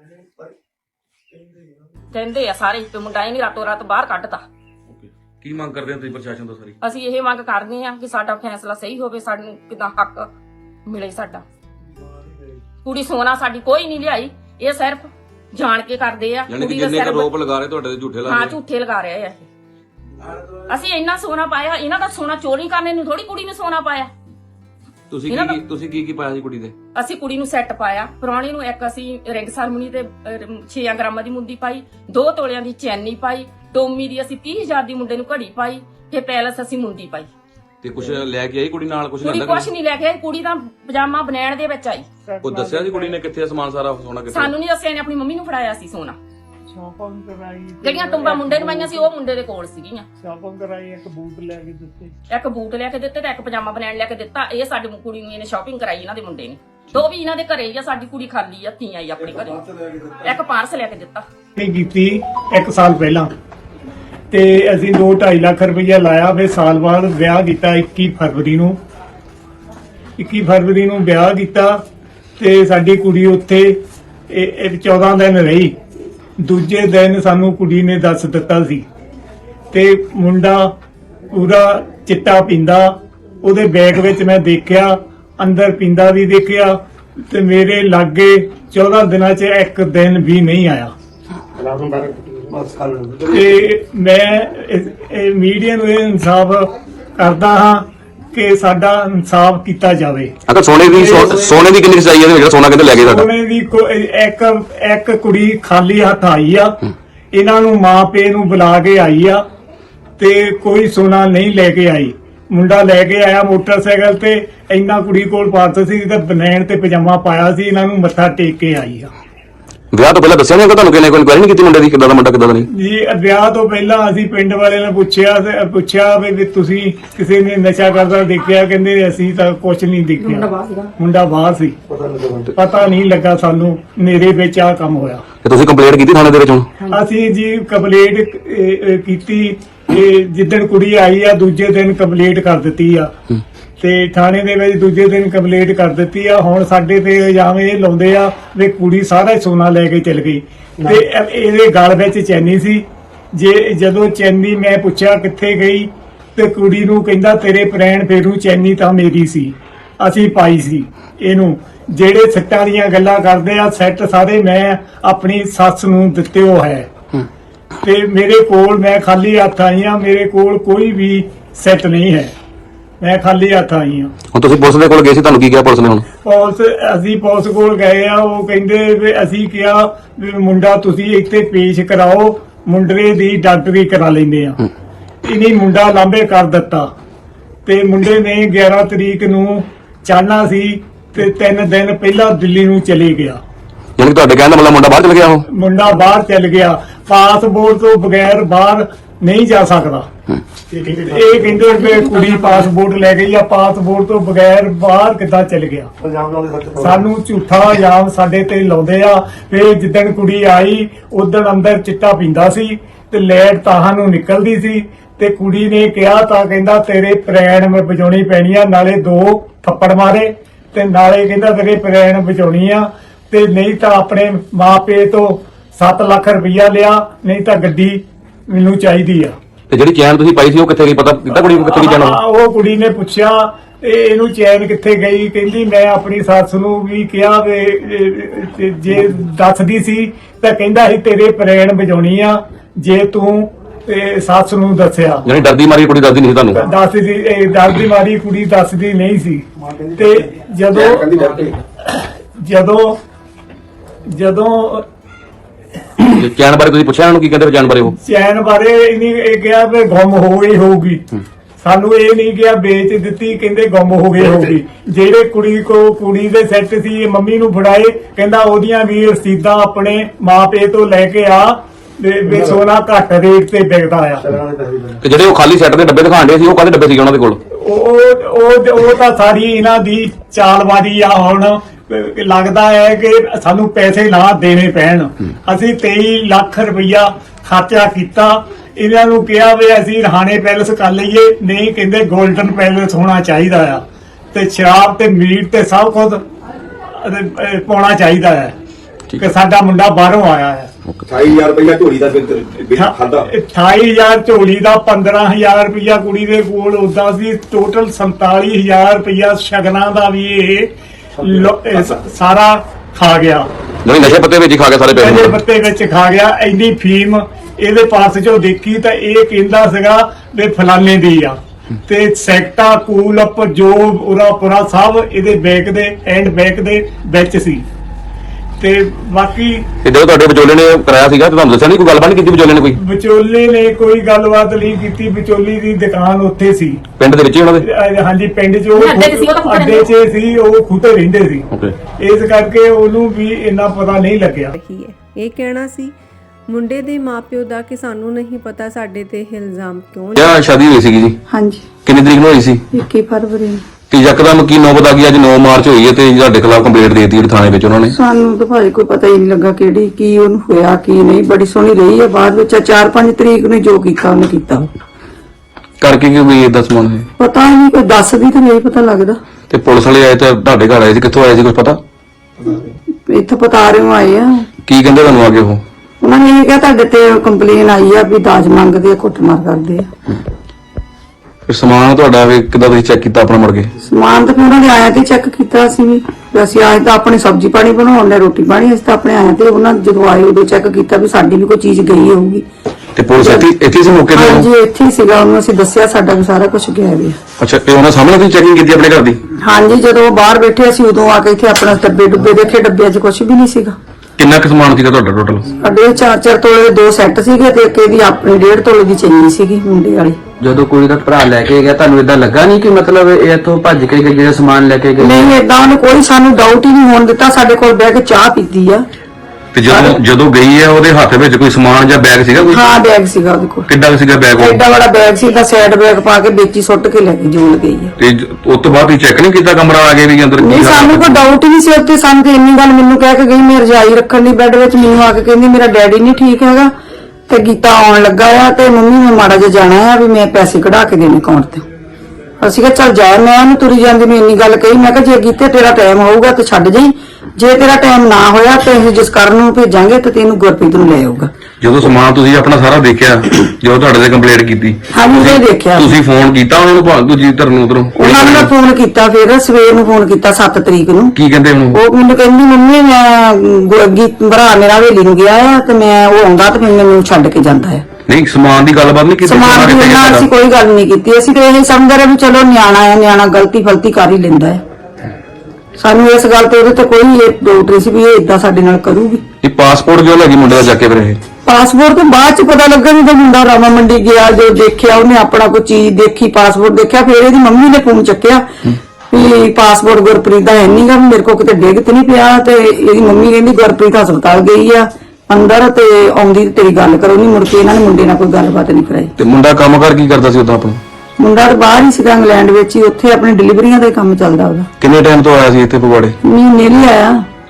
ਕਹਿੰਦੇ ਆ ਸਾਰੇ ਕਿ ਮੁੰਡਾ ਇਹਨੇ ਰਾਤੋਂ ਰਾਤ ਬਾਹਰ ਕੱਢਤਾ।
ਕੀ ਮੰਗ ਕਰਦੇ ਹੋ ਤੁਸੀਂ ਪ੍ਰਸ਼ਾਸਨ ਤੋਂ ਸਾਰੀ?
ਅਸੀਂ ਇਹ ਮੰਗ ਕਰਦੇ ਆ ਕਿ ਸਾਡਾ ਫੈਸਲਾ ਸਹੀ ਹੋਵੇ, ਸਾਨੂੰ ਕਿਦਾਂ ਹੱਕ ਮਿਲੇ ਸਾਡਾ। ਕੁੜੀ ਸੋਨਾ ਸਾਡੀ ਕੋਈ ਨਹੀਂ ਲਿਆਈ, ਇਹ ਸਿਰਫ ਜਾਣ ਕੇ ਕਰਦੇ ਆ।
ਕੁੜੀ ਦਾ ਸਿਰ ਆਰੋਪ ਲਗਾ ਰਹੇ ਤੁਹਾਡੇ ਤੇ, ਝੂਠੇ ਲਾ ਰਹੇ।
ਹਾਂ, ਝੂਠੇ ਲਗਾ ਰਹੇ ਆ ਇਹ। ਅਸੀਂ ਇੰਨਾ ਸੋਨਾ ਪਾਇਆ, ਇਹਨਾਂ ਦਾ ਸੋਨਾ ਚੋਰੀ ਕਰਨੇ ਨੂੰ ਥੋੜੀ ਕੁੜੀ ਨੇ ਸੋਨਾ ਪਾਇਆ।
ਤੁਸੀਂ ਕੀ ਪਾਇਆ ਸੀ ਕੁੜੀ ਦੇ?
ਅਸੀਂ ਕੁੜੀ ਨੂੰ ਸੈੱਟ ਪਾਇਆ। ਪ੍ਰਾਹੁਣੇ ਨੂੰ ਇੱਕ ਅਸੀਂ ਰਿੰਗ ਸੈਰਮਨੀ ਤੇ 6 ਗ੍ਰਾਮਾਂ ਦੀ ਮੁੰਦੀ ਪਾਈ, 2 ਤੋਲਿਆਂ ਦੀ ਚੈਨੀ ਪਾਈ, ਟੋਮੀ ਦੀ ਅਸੀਂ 30,000 ਦੀ ਮੁੰਡੇ ਨੂੰ ਘੜੀ ਪਾਈ, ਫਿਰ ਪੈਲਸ ਅਸੀਂ ਮੁੰਦੀ ਪਾਈ।
ਤੇ ਕੁਛ ਲੈ ਕੇ ਆਈ ਕੁੜੀ ਨਾਲ? ਕੁਛ
ਨਹੀਂ ਲੈ ਕੇ ਆਈ। ਕੁੜੀ ਦਾ ਪਜਾਮਾ ਬਨੈਣ ਦੇ ਵਿੱਚ ਆਈ।
ਉਹ ਦੱਸਿਆ ਸੀ ਕੁੜੀ ਨੇ ਕਿੱਥੇ ਸਮਾਨ ਸਾਰਾ ਸੋਨਾ ਕਿੱਥੇ?
ਸਾਨੂੰ ਨਹੀਂ ਦੱਸਿਆ, ਇਹਨੇ ਆਪਣੀ ਮੰਮੀ ਨੂੰ ਫੜਾਇਆ ਸੀ ਸੋਨਾ। ਜਿਹੜੀਆਂ ਟੁੰਬਾਂ ਮੁੰਡੇ ਨੂੰ ਪਾਈਆਂ ਸੀ ਉਹ ਮੁੰਡੇ ਦੇ ਕੋਲ ਸੀਗੀਆਂ।
ਸ਼ਾਪਿੰਗ ਕਰਾਈ, ਇੱਕ ਬੂਟ ਲੈ ਕੇ ਦਿੱਤੇ,
ਤੇ ਇੱਕ ਪਜਾਮਾ ਬਨੈਣ ਲੈ ਕੇ ਦਿੱਤਾ। ਇਹ ਸਾਡੀ ਕੁੜੀ ਨੂੰ ਇਹਨੇ ਸ਼ਾਪਿੰਗ ਕਰਾਈ ਇਹਨਾਂ ਦੇ ਮੁੰਡੇ ਨੇ। 2 ਵੀ ਇਹਨਾਂ ਦੇ ਘਰੇ ਹੀ ਆ। ਸਾਡੀ ਕੁੜੀ ਖਾਲੀ ਆ, ਧੀ ਆਈ ਆਪਣੇ ਘਰੇ। ਇੱਕ ਪਾਰਸ ਲੈ ਕੇ ਦਿੱਤਾ।
ਕੀਤੀ 1 ਸਾਲ ਪਹਿਲਾਂ ਤੇ ਅਸੀਂ 2-2.5 ਲੱਖ ਰੁਪਇਆ ਲਾਇਆ। ਫਿਰ ਸਾਲ ਬਾਅਦ ਵਿਆਹ ਕੀਤਾ। 21 ਫਰਵਰੀ ਨੂੰ ਵਿਆਹ ਕੀਤਾ ਤੇ ਸਾਡੀ ਕੁੜੀ ਉੱਥੇ 14 ਦਿਨ ਰਹੀ। ਦੂਜੇ ਦਿਨ ਸਾਨੂੰ ਕੁੜੀ ਨੇ ਦੱਸ ਦਿੱਤਾ ਸੀ ਤੇ ਮੁੰਡਾ ਪੂਰਾ ਚਿੱਟਾ ਪੀਂਦਾ, ਉਹਦੇ ਬੈਗ ਵਿੱਚ ਮੈਂ ਦੇਖਿਆ, ਅੰਦਰ ਪੀਂਦਾ ਵੀ ਦੇਖਿਆ, ਤੇ ਮੇਰੇ ਲਾਗੇ 14 ਦਿਨਾਂ 'ਚ ਇੱਕ ਦਿਨ ਵੀ ਨਹੀਂ ਆਇਆ। ਤੇ ਮੈਂ ਮੀਡੀਆ ਨੂੰ ਇਹ ਇਨਸਾਫ ਕਰਦਾ ਹਾਂ ਕਿ ਸਾਡਾ ਇਨਸਾਫ ਕੀਤਾ ਜਾਵੇ।
ਅਗਰ ਸੋਨੇ ਦੀ ਕਿੰਨੀ ਸਚਾਈ ਹੈ ਜਿਹੜਾ ਸੋਨਾ ਕਹਿੰਦੇ ਲੈ ਗਏ ਸਾਡਾ?
ਸੋਨੇ ਦੀ ਇੱਕ ਕੁੜੀ ਖਾਲੀ ਹੱਥ ਆਈ ਆ, ਇਹਨਾਂ ਨੂੰ ਮਾਂ ਪੇ ਨੂੰ ਬੁਲਾ ਕੇ ਆਈ ਆ, ਤੇ ਕੋਈ ਸੋਨਾ ਨਹੀਂ ਲੈ ਕੇ ਆਈ। ਮੁੰਡਾ ਲੈ ਕੇ ਆਇਆ ਮੋਟਰਸਾਈਕਲ ਤੇ, ਇੰਨਾ ਕੁੜੀ ਕੋਲ ਪਰਸ ਸੀ ਤੇ ਬਨੈਣ ਤੇ ਪਜਾਮਾ ਪਾਇਆ ਸੀ, ਇਹਨਾਂ ਨੂੰ ਮੱਥਾ ਟੇਕ ਕੇ ਆਈ ਆ।
ਵਿਆਹ ਤੋਂ ਪਹਿਲਾਂ ਦੱਸਿਆ ਨਹੀਂ ਤੁਹਾਨੂੰ ਕਿਹਨੇ ਕੋਈ ਇਨਕੁਆਇਰੀ ਨਹੀਂ ਕੀਤੀ ਮੁੰਡੇ ਦੀ ਕਿੱਦਾਂ ਦਾ ਮੁੰਡਾ ਕਿੱਦਾਂ ਦਾ ਨਹੀਂ?
ਜੀ ਵਿਆਹ ਤੋਂ ਪਹਿਲਾਂ ਅਸੀਂ ਪਿੰਡ ਵਾਲਿਆਂ ਨੇ ਪੁੱਛਿਆ ਵੀ ਤੁਸੀਂ ਕਿਸੇ ਨੇ ਨਸ਼ਾ ਕਰਦਾ ਦੇਖਿਆ? ਕਹਿੰਦੇ ਅਸੀਂ ਤਾਂ ਕੁਝ ਨਹੀਂ ਦੇਖਿਆ, ਮੁੰਡਾ ਬਾਹਰ ਸੀ, ਪਤਾ ਨਹੀਂ ਲੱਗਾ ਸਾਨੂੰ, ਮੇਰੇ ਵਿੱਚ ਆ ਕੰਮ ਹੋਇਆ।
ਤੇ ਤੁਸੀਂ ਕੰਪਲੇਂਟ ਕੀਤੀ ਥਾਣੇ ਦੇ ਵਿੱਚ? ਹੁਣ
ਅਸੀਂ ਜੀ ਕੰਪਲੇਂਟ ਕੀਤੀ, ਜਿੱਦਣ ਕੁੜੀ ਆਈ ਆ ਦੂਜੇ ਦਿਨ ਕੰਪਲੇਂਟ ਕਰ ਦਿੱਤੀ ਆ, ਤੇ ਥਾਣੇ ਦੇ ਵਿੱਚ ਦੂਜੇ ਦਿਨ ਕੰਪਲੇਂਟ ਕਰ ਦਿੱਤੀ ਆ। ਹੁਣ ਸਾਡੇ ਤੇ ਇਲਜ਼ਾਮ ਇਹ ਲਾਉਂਦੇ ਆ ਵੀ ਕੁੜੀ ਸਾਰਾ ਸੋਨਾ ਲੈ ਕੇ ਚਲ ਗਈ, ਤੇ ਇਹਦੇ ਗਲ ਵਿੱਚ ਚੈਨੀ ਸੀ। ਜਦੋਂ ਚੈਨੀ ਮੈਂ ਪੁੱਛਿਆ ਕਿੱਥੇ ਗਈ, ਤੇ ਕੁੜੀ ਨੂੰ ਕਹਿੰਦਾ ਤੇਰੇ ਪ੍ਰੈਣ ਫੇਰੂ ਚੈਨੀ ਤਾਂ ਮੇਰੀ ਸੀ, ਅਸੀਂ ਪਾਈ ਸੀ ਇਹਨੂੰ। ਜਿਹੜੇ ਸੱਟਾਂ ਦੀਆਂ ਗੱਲਾਂ ਕਰਦੇ ਆ, ਸੈੱਟ ਸਾਰੇ ਮੈਂ ਆਪਣੀ ਸੱਸ ਨੂੰ ਦਿੱਤੇ ਹੋ ਹੈ, ਤੇ ਮੇਰੇ ਕੋਲ ਮੈਂ ਖਾਲੀ ਹੱਥ ਆਈ ਆ, ਮੇਰੇ ਕੋਲ ਕੋਈ ਵੀ ਸੈੱਟ ਨਹੀਂ ਹੈ, ਮੈਂ ਖਾਲੀ ਹੱਥ ਆਈ ਆ।
ਹੁਣ ਤੁਸੀਂ ਪੁਲਿਸ ਦੇ ਕੋਲ ਗਏ ਸੀ, ਤੁਹਾਨੂੰ ਕੀ ਕਿਹਾ ਪੁਲਿਸ ਨੇ? ਹੁਣ
ਅਸੀਂ ਪੁਲਿਸ ਕੋਲ ਗਏ ਆ, ਉਹ ਕਹਿੰਦੇ ਵੀ ਅਸੀਂ ਕਿਹਾ ਵੀ ਮੁੰਡਾ ਤੁਸੀਂ ਇੱਥੇ ਪੇਸ਼ ਕਰਾਓ, ਮੁੰਡੇ ਦੀ ਡਾਕਟਰੀ ਕਰਾ ਲੈਂਦੇ ਆ। ਇਹਨੇ ਮੁੰਡਾ ਲਾਂਭੇ ਕਰ ਦਿੱਤਾ, ਤੇ ਮੁੰਡੇ ਨੇ 11 ਤਰੀਕ ਨੂੰ ਚਾਹਨਾ ਸੀ, ਤੇ 3 ਦਿਨ ਪਹਿਲਾਂ ਦਿੱਲੀ ਨੂੰ ਚਲੇ ਗਿਆ।
ਯਾਨੀ ਤੁਹਾਡੇ ਕਹਿਣ ਦਾ ਮਤਲਬ ਮੁੰਡਾ ਬਾਹਰ ਚਲ ਗਿਆ? ਉਹ
ਮੁੰਡਾ ਬਾਹਰ ਚਲ ਗਿਆ, ਪਾਸਪੋਰਟ ਤੋਂ ਬਗੈਰ ਬਾਹਰ ਨਹੀਂ ਜਾ ਸਕਦਾ। ਇਹ ਕਹਿੰਦੇ ਵੀ ਕੁੜੀ ਪਾਸਪੋਰਟ ਲੈ ਗਈ ਆ, ਪਾਸਪੋਰਟ ਤੋਂ ਬਗੈਰ ਬਾਹਰ ਕਿੱਦਾਂ ਚਲ ਗਿਆ? ਸਾਨੂੰ ਝੂਠਾ ਇਲਜ਼ਾਮ ਸਾਡੇ ਤੇ ਲਾਉਂਦੇ ਆ। ਫਿਰ ਜਿੱਦਣ ਕੁੜੀ ਆਈ ਉਦਣ ਅੰਦਰ ਚਿੱਟਾ ਪੀਂਦਾ ਸੀ, ਤੇ ਲੈਟ ਤਾਹਾਂ ਨੂੰ ਨਿਕਲਦੀ ਸੀ, ਤੇ ਕੁੜੀ ਨੇ ਕਿਹਾ ਤਾਂ ਕਹਿੰਦਾ ਤੇਰੇ ਪ੍ਰੈਣ ਮੈਂ ਵਜਾਉਣੀ ਪੈਣੀ ਆ, ਨਾਲੇ 2 ਥੱਪੜ ਮਾਰੇ, ਤੇ ਨਾਲੇ ਕਹਿੰਦਾ ਤੇਰੇ ਪ੍ਰੈਣ ਵਜਾਉਣੀ ਆ, ਤੇ ਨਹੀਂ ਤਾਂ ਆਪਣੇ ਮਾਪੇ ਤੋਂ 7 ਲੱਖ ਰੁਪਈਆ ਲਿਆ, ਨਹੀਂ ਤਾਂ ਗੱਡੀ ਮੈਨੂੰ ਚਾਹੀਦੀ ਆ।
ਤੇ ਜਿਹੜੀ ਚੈਨ ਤੁਸੀਂ ਪਾਈ ਸੀ ਉਹ ਕਿੱਥੇ ਗਈ? ਪਤਾ ਕੀਤਾ ਕੁੜੀ ਨੂੰ ਕਿੱਥੇ ਗਈ ਜਾਣਾ?
ਉਹ ਕੁੜੀ ਨੇ ਪੁੱਛਿਆ ਇਹਨੂੰ ਚੈਨ ਕਿੱਥੇ ਗਈ, ਕਹਿੰਦੀ ਮੈਂ ਆਪਣੀ ਸੱਸ ਨੂੰ ਵੀ ਕਿਹਾ ਵੀ ਜੇ ਦੱਸਦੀ ਸੀ ਤਾਂ ਕਹਿੰਦਾ ਸੀ ਤੇਰੇ ਪ੍ਰੈਣ ਵਜਾਉਣੀ ਆ, ਜੇ ਤੂੰ ਸੱਸ ਨੂੰ ਦੱਸਿਆ।
ਯਾਨੀ ਡਰਦੀ ਮਾਰੀ ਕੁੜੀ ਦੱਸਦੀ ਨਹੀਂ ਸੀ ਤੁਹਾਨੂੰ?
ਦੱਸਦੀ ਸੀ, ਡਰਦੀ ਮਾਰੀ ਕੁੜੀ ਦੱਸਦੀ ਨਹੀਂ ਸੀ। ਤੇ ਜਦੋਂ
ਚੈਨ ਬਾਰੇ ਤੁਸੀਂ ਪੁੱਛਿਆ ਉਹਨੂੰ ਕੀ ਕਹਿੰਦੇ ਚੈਨ ਬਾਰੇ? ਉਹ
ਚੈਨ ਬਾਰੇ ਇਹ ਕਿਹਾ ਵੀ ਗੁੰਮ ਹੋ ਗਈ ਹੋਊਗੀ, ਸਾਨੂੰ ਇਹ ਨਹੀਂ ਕਿਹਾ ਵੇਚ ਦਿੱਤੀ, ਕਹਿੰਦੇ ਗੁੰਮ ਹੋ ਗਈ ਹੋਊਗੀ। ਜਿਹੜੇ ਕੁੜੀ ਦੇ ਸੈੱਟ ਸੀ ਮੰਮੀ ਨੂੰ ਫੜਾਏ, ਕਹਿੰਦਾ ਉਹਦੀਆਂ ਵੀ ਰਸੀਦਾਂ ਆਪਣੇ ਮਾਪੇ ਤੋਂ ਲੈ ਕੇ ਆ, ਵੀ ਸੋਨਾ ਘੱਟ ਰੇਟ ਤੇ ਵਿਕਦਾ ਆ।
ਤੇ ਜਿਹੜੇ ਉਹ ਖਾਲੀ ਸੈੱਟ ਦੇ ਡੱਬੇ ਦਿਖਾਉਂਦੇ ਸੀ ਉਹ ਕਾਹਦੇ ਡੱਬੇ ਸੀਗੇ ਉਹਨਾਂ ਦੇ ਕੋਲ?
ਉਹ ਤਾਂ ਸਾਰੀ ਇਹਨਾਂ ਦੀ ਚਾਲਬਾਜ਼ੀ ਆ। ਹੁਣ ਲੱਗਦਾ ਹੈ ਕਿ ਸਾਨੂੰ ਪੈਸੇ ਨਾ ਦੇਣੇ ਪੈਣ। ਅਸੀਂ 23 ਲੱਖ ਰੁਪਈਆ ਖਰਚਾ ਕੀਤਾ, ਇਹਨਾਂ ਨੂੰ ਕਿਹਾ ਵੀ ਅਸੀਂ ਰਹਾਣੇ ਪੈਲਸ ਕਰ ਲਈਏ, ਨਹੀਂ ਕਹਿੰਦੇ 골ਡਨ ਪੈਲਸ ਹੋਣਾ ਚਾਹੀਦਾ ਆ, ਤੇ ਸ਼ਰਾਬ ਤੇ ਮੀਟ ਤੇ ਸਭ ਕੁਝ ਪਾਉਣਾ ਚਾਹੀਦਾ ਹੈ ਕਿ ਸਾਡਾ ਮੁੰਡਾ ਬਾਹਰੋਂ ਆਇਆ ਹੈ।
28000 ਰੁਪਇਆ ਝੋਲੀ ਦਾ ਬਿੱਲ ਖਾਦਾ,
28000 ਝੋਲੀ ਦਾ, 15000 ਰੁਪਇਆ ਕੁੜੀ ਦੇ ਕੋਲ ਉਦਾਂ ਸੀ, ਟੋਟਲ 47000 ਰੁਪਇਆ ਸ਼ਗਨਾਂ ਦਾ ਵੀ ਇਹ ਸਾਰਾ ਖਾ ਗਿਆ।
ਨਹੀਂ ਨਸ਼ੇ ਪੱਤੇ ਵਿੱਚ ਹੀ ਖਾ ਗਿਆ ਸਾਰੇ ਪੈਸੇ?
ਨਸ਼ੇ ਪੱਤੇ ਵਿੱਚ ਖਾ ਗਿਆ। ਇੰਨੀ ਫੀਮ ਇਹਦੇ ਪਾਸ ਚੋਂ ਦੇਖੀ ਤਾਂ ਇਹ ਕਹਿੰਦਾ ਸੀਗਾ ਵੀ ਫਲਾਣੇ ਦੀ ਆ, ਤੇ ਸੈਕਟਾ ਕੂਲ ਅਪ ਜੋ ਉਹਦਾ ਪੂਰਾ ਸਭ ਇਹਦੇ ਬੈਕ ਦੇ ਐਂਡ ਬੈਕ ਦੇ ਵਿੱਚ ਸੀ। ਤੇ ਬਾਕੀ
ਜਦੋਂ ਤੁਹਾਡੇ ਵਿਚੋਲੇ ਨੇ ਕਰਾਇਆ ਸੀਗਾ ਤੇ ਤੁਹਾਨੂੰ ਦੱਸਿਆ ਨਹੀਂ, ਕੋਈ ਗੱਲਬਾਤ ਨਹੀਂ ਕੀਤੀ ਵਿਚੋਲੇ ਨੇ? ਕੋਈ
ਵਿਚੋਲੇ ਨੇ ਕੋਈ ਗੱਲਬਾਤ ਨਹੀਂ ਕੀਤੀ। ਵਿਚੋਲੀ ਦੀ ਦੁਕਾਨ ਉੱਥੇ ਸੀ
ਪਿੰਡ ਦੇ ਵਿੱਚ ਉਹਨਾਂ ਦੇ?
ਹਾਂਜੀ ਪਿੰਡ 'ਚ ਉਹ ਅੱਡੇ 'ਚ ਸੀ, ਉਹ ਖੁਦ ਰਹਿੰਦੇ ਸੀ, ਇਸ ਕਰਕੇ ਉਹਨੂੰ ਵੀ ਇੰਨਾ ਪਤਾ ਨਹੀਂ ਲੱਗਿਆ।
ਇਹ ਕਹਿਣਾ ਸੀ ਮੁੰਡੇ ਦੇ ਮਾਪਿਓ ਦਾ ਕਿ ਸਾਨੂੰ ਨਹੀਂ ਪਤਾ ਸਾਡੇ ਤੇ ਇਹ ਇਲਜ਼ਾਮ ਕਿਉਂ।
ਕਿਆ ਸ਼ਾਦੀ ਹੋਈ ਸੀਗੀ ਜੀ?
ਹਾਂਜੀ।
ਕਿੰਨੀ ਤਰੀਕ ਨੂੰ ਹੋਈ ਸੀ?
21 ਫਰਵਰੀ ਨੂੰ।
ਤੇ ਯਕਦਮ ਕੀ ਨੌਬਤ ਆ ਗਈ? ਅੱਜ 9 ਮਾਰਚ ਹੋਈ ਹੈ ਤੇ ਤੁਹਾਡੇ ਖਿਲਾਫ ਕੰਪਲੇਂਟ ਦੇ ਦਿੱਤੀ ਜਿਹੜੀ ਥਾਣੇ ਵਿੱਚ ਉਹਨਾਂ ਨੇ?
ਸਾਨੂੰ ਤਾਂ ਭਾਈ ਕੋਈ ਪਤਾ ਹੀ ਨਹੀਂ ਲੱਗਾ ਕਿਹੜੀ ਕੀ ਉਹਨੂੰ ਹੋਇਆ ਕੀ ਨਹੀਂ। ਬੜੀ ਸੋਹਣੀ ਰਹੀ ਹੈ, ਬਾਅਦ ਵਿੱਚ 4-5 ਤਰੀਕ ਨੂੰ ਜੋ ਕੀਤਾ ਉਹਨੇ ਕੀਤਾ।
ਕਰਕੇ ਕਿਉਂ ਵੀ ਇਦਾਂ ਸਮਾਨ ਹੈ?
ਪਤਾ ਹੀ ਨਹੀਂ, ਕੋਈ ਦੱਸਦੀ ਤਾਂ ਨਹੀਂ ਪਤਾ ਲੱਗਦਾ।
ਤੇ ਪੁਲਿਸ ਵਾਲੇ ਆਏ ਤਾਂ ਤੁਹਾਡੇ ਘਰ ਆਏ ਸੀ, ਕਿੱਥੋਂ ਆਏ ਸੀ ਕੁਝ ਪਤਾ?
ਇੱਥੇ ਪਤਾਰਿਓਂ ਆਏ ਆ।
ਕੀ ਕਹਿੰਦੇ ਤੁਹਾਨੂੰ ਆ ਕੇ ਉਹ?
ਉਹਨਾਂ ਨੇ ਇਹ ਕਿਹਾ ਤੁਹਾਡੇ ਤੇ ਕੰਪਲੇਨ ਆਈ ਆ ਵੀ ਦਾਜ ਮੰਗਦੇ ਆ, ਕੁੱਟਮਾਰ ਕਰਦੇ ਆ।
ਫਿਰ ਸਮਾਨ ਤੁਹਾਡਾ ਵੀ ਕਿੱਦਾਂ ਤੁਸੀਂ ਚੈੱਕ ਕੀਤਾ ਆਪਣਾ ਮੁੜ ਕੇ?
ਸਮਾਨ ਤਾਂ ਫਿਰ ਉਹਨਾਂ ਦੇ ਆਇਆ ਤੇ ਚੈੱਕ ਕੀਤਾ ਅਸੀਂ ਵੀ ਅਸੀਂ ਆਏ ਤਾਂ ਆਪਣੀ ਸਬਜ਼ੀ ਪਾਣੀ ਬਣਾਉਣ ਲਈ ਰੋਟੀ ਪਾਣੀ ਅਸੀਂ ਤਾਂ ਆਪਣੇ ਆਏ ਤੇ ਉਹਨਾਂ ਜਦੋਂ ਆਏ ਉਦੋਂ ਚੈੱਕ ਕੀਤਾ ਵੀ ਸਾਡੀ ਵੀ ਕੋਈ ਚੀਜ਼ ਗਈ ਹੋਊਗੀ।
ਤੇ ਪੁਲਿਸ ਇੱਥੇ ਸੀ ਮੌਕੇ ਤੇ?
ਹਾਂਜੀ ਇੱਥੇ ਹੀ ਸੀਗਾ, ਉਹਨੂੰ ਅਸੀਂ ਦੱਸਿਆ ਸਾਡਾ ਵੀ ਸਾਰਾ ਕੁਝ ਗਿਆ ਵੀ।
ਅੱਛਾ, ਤੇ ਉਹਨਾਂ ਸਾਹਮਣੇ ਤੁਸੀਂ ਚੈਕਿੰਗ ਕੀਤੀ ਆਪਣੇ ਘਰ ਦੀ?
ਹਾਂਜੀ ਜਦੋਂ ਉਹ ਬਾਹਰ ਬੈਠੇ ਅਸੀਂ ਉਦੋਂ ਆ ਕੇ ਇੱਥੇ ਆਪਣਾ ਡੱਬੇ ਡੁੱਬੇ ਦੇਖੇ, ਡੱਬਿਆਂ 'ਚ ਕੁਝ ਵੀ ਨਹੀਂ ਸੀਗਾ।
ਕਿੰਨਾ ਕੁ ਸਮਾਨ ਸੀਗਾ ਤੁਹਾਡਾ ਟੋਟਲ?
ਸਾਡੇ 4-4 ਤੋਲੇ ਦੇ 2 ਸੈੱਟ ਸੀਗੇ ਤੇ ਇੱਕ ਇਹਦੀ ਆਪਣੀ 1.5 ਤੋਲੇ ਦੀ ਚੈਨੀ ਸੀਗੀ ਮੁੰਡੇ ਵਾਲੀ।
ਜਦੋਂ ਕੁੜੀ ਦਾ ਭਰਾ ਲੈ ਕੇ ਗਿਆ ਤੁਹਾਨੂੰ ਇਦਾਂ ਲੱਗਾ ਨਹੀਂ ਕਿ ਮਤਲਬ ਇਹ ਇੱਥੋਂ ਭੱਜ ਕੇ ਜਿਹੜਾ ਸਮਾਨ ਲੈ ਕੇ ਗਏ?
ਨਹੀਂ ਏਦਾਂ ਉਹਨੇ ਕੋਈ ਸਾਨੂੰ ਡਾਊਟ ਹੀ ਨਹੀਂ ਹੋਣ ਦਿੱਤਾ, ਸਾਡੇ ਕੋਲ ਬਹਿ ਕੇ ਚਾਹ ਪੀਤੀ ਆ।
ਤੇ ਜਦੋਂ ਗਈ ਹੈ ਉਹਦੇ ਹੱਥ ਵਿੱਚ ਕੋਈ ਸਮਾਨ ਜਾਂ ਬੈਗ ਸੀਗਾ ਕੋਈ?
ਹਾਂ ਬੈਗ ਸੀਗਾ ਉਹਦੇ ਕੋਲ।
ਕਿੱਡਾ ਕੁ ਸੀਗਾ ਬੈਗ ਉਹ?
ਐਡਾ ਬੜਾ ਬੈਗ ਸੀ ਤਾਂ ਸਾਈਡ ਬੈਗ ਪਾ ਕੇ ਵਿੱਚ ਹੀ ਸੁੱਟ ਕੇ ਲੈ ਕੇ ਜੋਲ ਗਈ ਆ।
ਤੇ ਉਸ ਤੋਂ ਬਾਅਦ ਤੁਸੀਂ ਚੈੱਕ ਨਹੀਂ ਕੀਤਾ ਕਮਰਾ ਆ ਕੇ ਵੀ ਅੰਦਰ ਕੀ
ਨਹੀਂ ਸਾਨੂੰ ਕੋਈ ਡਾਊਟ ਹੀ ਨਹੀਂ ਸੀ ਉੱਤੇ। ਸਾਨੂੰ ਤੇ ਇੰਨੀ ਗੱਲ ਮੈਨੂੰ ਕਹਿ ਕੇ ਗਈ ਮੈਂ ਰਜਾਈ ਰੱਖਣ ਲਈ ਬੈੱਡ ਵਿੱਚ, ਮੈਨੂੰ ਆ ਕੇ ਕਹਿੰਦੀ ਮੇਰਾ ਡੈਡੀ ਨਹੀਂ ਠੀਕ ਹੈਗਾ ਤੇ ਗੀਤਾ ਆਉਣ ਲੱਗਾ ਆ ਤੇ ਮੰਮੀ ਮੈਂ ਮਾੜਾ ਜਿਹਾ ਜਾਣਾ ਆ ਵੀ ਮੈਂ ਪੈਸੇ ਕਢਾ ਕੇ ਦੇਣੇ ਅਕਾਊਂਟ ਤੇ। ਅਸੀਂ ਕਿਹਾ ਚੱਲ ਜਾ। ਮੈਂ ਉਹਨੂੰ ਤੁਰੀ ਜਾਂਦੀ ਨੂੰ ਇੰਨੀ ਗੱਲ ਕਹੀ, ਮੈਂ ਕਿਹਾ ਜੇ ਗੀਤੇ ਤੇਰਾ ਟਾਈਮ ਹੋਊਗਾ ਤੇ ਛੱਡ ਜਾਈਂ, ਜੇ ਤੇਰਾ ਟਾਈਮ ਨਾ ਹੋਇਆ ਤੇ ਅਸੀਂ ਜਸਕਰਨ ਨੂੰ ਭੇਜਾਂਗੇ ਤੇ ਤੈਨੂੰ ਗੁਰਪ੍ਰੀਤ ਨੂੰ ਲੈ ਆਊਗਾ।
ਜਦੋਂ ਸਮਾਨ ਤੁਸੀਂ ਆਪਣਾ ਸਾਰਾ ਦੇਖਿਆ, ਜਦੋਂ ਤੁਹਾਡੇ ਤੇ ਕੰਪਲੇਂਟ ਕੀਤੀ,
ਹਾਂਜੀ ਉਹ ਦੇਖਿਆ।
ਤੁਸੀਂ ਫੋਨ ਕੀਤਾ ਉਹਨਾਂ ਨੂੰ ਦੂਜੀ ਧਰ ਨੂੰ ਉਧਰੋਂ?
ਉਹਨਾਂ ਨੇ ਫੋਨ ਕੀਤਾ, ਫਿਰ ਸਵੇਰ ਨੂੰ ਫੋਨ ਕੀਤਾ 7 ਤਰੀਕ ਨੂੰ।
ਕੀ ਕਹਿੰਦੇ ਉਹਨੂੰ?
ਉਹ ਮੈਨੂੰ ਕਹਿੰਦੀ ਮੰਮੀ ਮੈਂ ਭਰਾ ਮੇਰਾ ਹਵੇਲੀ ਨੂੰ ਗਿਆ ਆ ਤੇ ਮੈਂ ਉਹ ਆਉਂਦਾ ਤੇ ਫਿਰ ਮੈਨੂੰ ਛੱਡ ਕੇ ਜਾਂਦਾ ਹੈ।
ਨਹੀਂ ਸਮਾਨ ਦੀ ਗੱਲਬਾਤ ਨਹੀਂ ਕੀਤੀ?
ਸਮਾਨ ਦੀ ਨਾਲ ਅਸੀਂ ਕੋਈ ਗੱਲ ਨਹੀਂ ਕੀਤੀ। ਅਸੀਂ ਤੇ ਇਹ ਸਮਝ ਰਹੇ ਵੀ ਚਲੋ ਨਿਆਣਾ ਆ, ਨਿਆਣਾ ਗਲਤੀ ਫਲਤੀ ਕਰ ਹੀ ਲੈਂਦਾ ਹੈ। ਸਾਨੂੰ ਇਸ ਗੱਲ ਤੇ ਉਹਦੇ ਤੇ ਕੋਈ ਡਾਊਟ ਨਹੀਂ ਸੀ ਵੀ ਇਹ ਇਦਾਂ ਸਾਡੇ ਨਾਲ ਕਰੂਗੀ।
ਇਹ ਪਾਸਪੋਰਟ ਕਿਉਂ ਲੱਗੀ ਮੁੰਡੇ ਦਾ ਜਾ ਕੇ ਫਿਰ ਇਹ?
ਪਾਸਪੋਰਟ ਤੋਂ ਬਾਅਦ ਚ ਪਤਾ ਲੱਗਾ ਜਦੋਂ ਮੁੰਡਾ ਰਾਮਾ ਮੰਡੀ ਗਿਆ, ਜੋ ਦੇਖਿਆ ਉਹਨੇ ਆਪਣਾ ਕੋਈ ਚੀਜ਼ ਦੇਖੀ, ਪਾਸਪੋਰਟ ਦੇਖਿਆ, ਫਿਰ ਇਹਦੀ ਮੰਮੀ ਨੇ ਫੋਨ ਚੱਕਿਆ ਵੀ ਪਾਸਪੋਰਟ ਗੁਰਪ੍ਰੀਤ ਦਾ ਹੈ ਨਹੀਂਗਾ, ਮੇਰੇ ਕੋਲ ਕਿਤੇ ਡਿੱਗ ਤੇ ਨਹੀਂ ਪਿਆ। ਤੇ ਇਹਦੀ ਮੰਮੀ ਕਹਿੰਦੀ ਗੁਰਪ੍ਰੀਤ ਹਸਪਤਾਲ ਗਈ ਆ ਅੰਦਰ ਤੇ ਆਉਂਦੀ ਤੇ ਤੇਰੀ ਗੱਲ ਕਰੋ। ਨਹੀਂ ਮੁੜ ਕੇ ਇਹਨਾਂ ਨੇ ਮੁੰਡੇ ਨਾਲ ਕੋਈ ਗੱਲਬਾਤ ਨਹੀਂ ਕਰਾਈ।
ਤੇ ਮੁੰਡਾ ਕੰਮ ਕਰ ਕੀ ਕਰਦਾ ਸੀ ਉਦੋਂ ਆਪਣਾ?
ਮੁੰਡਾ ਤਾਂ ਬਾਹਰ ਹੀ ਸੀਗਾ ਇੰਗਲੈਂਡ ਵਿੱਚ ਹੀ, ਉੱਥੇ ਆਪਣੀ ਡਿਲੀਵਰੀਆਂ ਦਾ ਕੰਮ ਚੱਲਦਾ ਉਹਦਾ।
ਕਿੰਨੇ ਟਾਈਮ ਤੋਂ ਆਇਆ ਸੀ ਇੱਥੇ ਪਵਾੜੇ?
ਮਹੀਨੇ ਲਈ ਆਇਆ,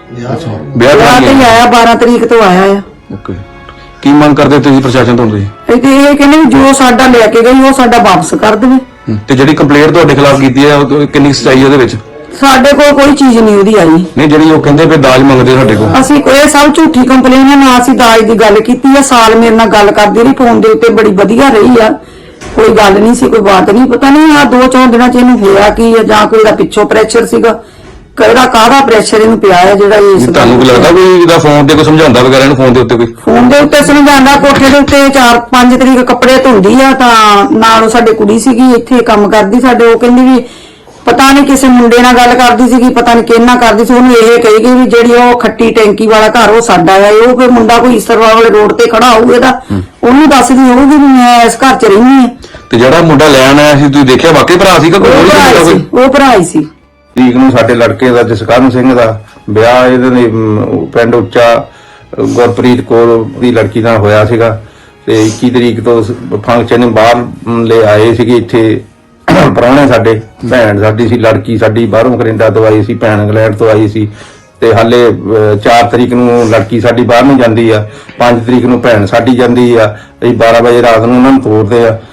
ਵਿਆਹ
ਵਿਆਹ ਤੇ ਹੀ ਆਇਆ, 12 ਤਰੀਕ ਤੋਂ ਆਇਆ ਆ।
ਓਕੇ, ਕੀ ਮੰਗ ਕਰਦੇ ਤੁਸੀਂ ਪ੍ਰਸ਼ਾਸਨ ਤੋਂ? ਤੁਸੀਂ
ਇਹ ਕਹਿੰਦੇ ਵੀ ਜੋ ਸਾਡਾ ਲੈ ਕੇ ਗਈ ਉਹ ਸਾਡਾ ਵਾਪਸ ਕਰ ਦੇਵੇ।
ਤੇ ਜਿਹੜੀ ਕੰਪਲੇਂਟ ਤੁਹਾਡੇ ਖਿਲਾਫ ਕੀਤੀ ਹੈ ਉਹ ਕਿੰਨੀ ਸਚਾਈ ਉਹਦੇ ਵਿੱਚ?
ਸਾਡੇ ਕੋਲ ਕੋਈ ਚੀਜ਼ ਨਹੀਂ ਉਹਦੀ ਆਈ।
ਨਹੀਂ ਜਿਹੜੀ ਉਹ ਕਹਿੰਦੇ ਵੀ ਦਾਜ ਮੰਗਦੇ ਸਾਡੇ ਕੋਲ?
ਅਸੀਂ ਇਹ ਸਭ ਝੂਠੀ ਕੰਪਲੇਨ ਹੈ। ਨਾ ਅਸੀਂ ਦਾਜ ਦੀ ਗੱਲ ਕੀਤੀ ਹੈ। ਸਾਲ ਮੇਰੇ ਨਾਲ ਗੱਲ ਕਰਦੀ ਰਹੀ ਫੋਨ ਦੇ ਉੱਤੇ, ਬੜੀ ਵਧੀਆ ਰਹੀ ਆ, ਕੋਈ ਗੱਲ ਨਹੀਂ ਸੀ, ਕੋਈ ਬਾਤ ਨਹੀਂ। ਪਤਾ ਨਹੀਂ ਆ 2-4 ਦਿਨਾਂ ਚ ਇਹਨੂੰ ਹੋਇਆ ਕੀ ਹੈ, ਜਾਂ ਕੋਈ ਦਾ ਪਿੱਛੋਂ ਪ੍ਰੈਸ਼ਰ ਸੀਗਾ, ਕਿਹੜਾ ਕਾਹਦਾ ਪ੍ਰੈਸ਼ਰ ਇਹਨੂੰ ਪਿਆ ਹੈ ਜਿਹੜਾ ਇਸ
ਤੁਹਾਨੂੰ ਕੀ ਲੱਗਦਾ ਵੀ ਇਹਦਾ ਫੋਨ ਤੇ ਕੋਈ ਸਮਝਾਉਂਦਾ ਵਗੈਰਾ ਇਹਨੂੰ? ਫੋਨ ਦੇ ਉੱਤੇ ਕੋਈ
ਫੋਨ ਦੇ ਉੱਤੇ ਸਮਝਾਉਂਦਾ, ਕੋਠੇ ਦੇ ਉੱਤੇ 4-5 ਤਰੀਕ ਕੱਪੜੇ ਧੁੰਦੀ ਆ ਤਾਂ ਨਾਲ ਉਹ ਸਾਡੇ ਕੁੜੀ ਸੀਗੀ ਇੱਥੇ ਕੰਮ ਕਰਦੀ ਸਾਡੇ, ਉਹ ਕਹਿੰਦੀ ਵੀ ਪਤਾ ਨਹੀਂ ਕਿਸੇ ਮੁੰਡੇ ਨਾਲ ਗੱਲ ਕਰਦੀ ਸੀਗੀ, ਪਤਾ ਨਹੀਂ ਕਿਹਨਾਂ ਕਰਦੀ ਸੀ। ਉਹਨੂੰ ਇਹ ਕਹੀ ਗਈ ਵੀ ਜਿਹੜੀ ਉਹ ਖੱਟੀ ਟੈਂਕੀ ਵਾਲਾ ਘਰ ਉਹ ਸਾਡਾ ਆ। ਉਹ ਫਿਰ ਮੁੰਡਾ ਕੋਈ ਈਸਰਵਾਲ ਵਾਲੇ ਰੋਡ ਤੇ ਖੜਾ ਹੋਊ ਇਹਦਾ, ਉਹਨੂੰ ਦੱਸਦੀ ਹੋਊਗੀ ਵੀ ਮੈਂ ਇਸ ਘਰ 'ਚ ਰਹਿੰਦੀ ਆ।
ਤੇ ਜਿਹੜਾ ਮੁੰਡਾ ਲੈਣ ਆਇਆ ਸੀ ਤੁਸੀਂ ਦੇਖਿਆ ਵਾਕਈ ਭਰਾ ਸੀਗਾ ਕੋਈ?
ਉਹ ਭਰਾ ਹੀ ਸੀ।
ਤਰੀਕ ਨੂੰ ਸਾਡੇ ਲੜਕੇ ਦਾ ਜਸਕਰਨ ਸਿੰਘ ਦਾ ਵਿਆਹ ਇਹਦੇ ਪਿੰਡ ਉੱਚਾ ਗੁਰਪ੍ਰੀਤ ਕੌਰ ਦੀ ਲੜਕੀ ਨਾਲ ਹੋਇਆ ਸੀਗਾ ਤੇ 21 ਤਰੀਕ ਤੋਂ ਫੰਕਸ਼ਨ ਬਾਹਰ ਲੈ ਆਏ ਸੀਗੇ ਇੱਥੇ ਪ੍ਰਾਹੁਣੇ ਸਾਡੇ। ਭੈਣ ਸਾਡੀ ਸੀ, ਲੜਕੀ ਸਾਡੀ ਬਾਹਰੋਂ ਕੈਨੇਡਾ ਤੋਂ ਆਈ ਸੀ, ਭੈਣ ਇੰਗਲੈਂਡ ਤੋਂ ਆਈ ਸੀ। ਤੇ ਹਾਲੇ 4 ਤਰੀਕ ਨੂੰ ਲੜਕੀ ਸਾਡੀ ਬਾਹਰ ਨੂੰ ਜਾਂਦੀ ਆ, 5 ਤਰੀਕ ਨੂੰ ਭੈਣ ਸਾਡੀ ਜਾਂਦੀ ਆ। ਅਸੀਂ 12 ਵਜੇ ਰਾਤ ਨੂੰ ਉਹਨਾਂ ਨੂੰ ਤੋਰਦੇ ਆ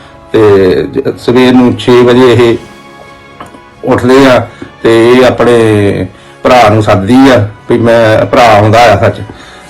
ਤੇ ਸਵੇਰ ਨੂੰ 6 ਵਜੇ ਇਹ ਉੱਠਦੇ ਆ ਤੇ ਇਹ ਆਪਣੇ ਭਰਾ ਨੂੰ ਸੱਦਦੀ ਆ ਵੀ ਮੈਂ ਭਰਾ ਆਉਂਦਾ ਆ ਸੱਚ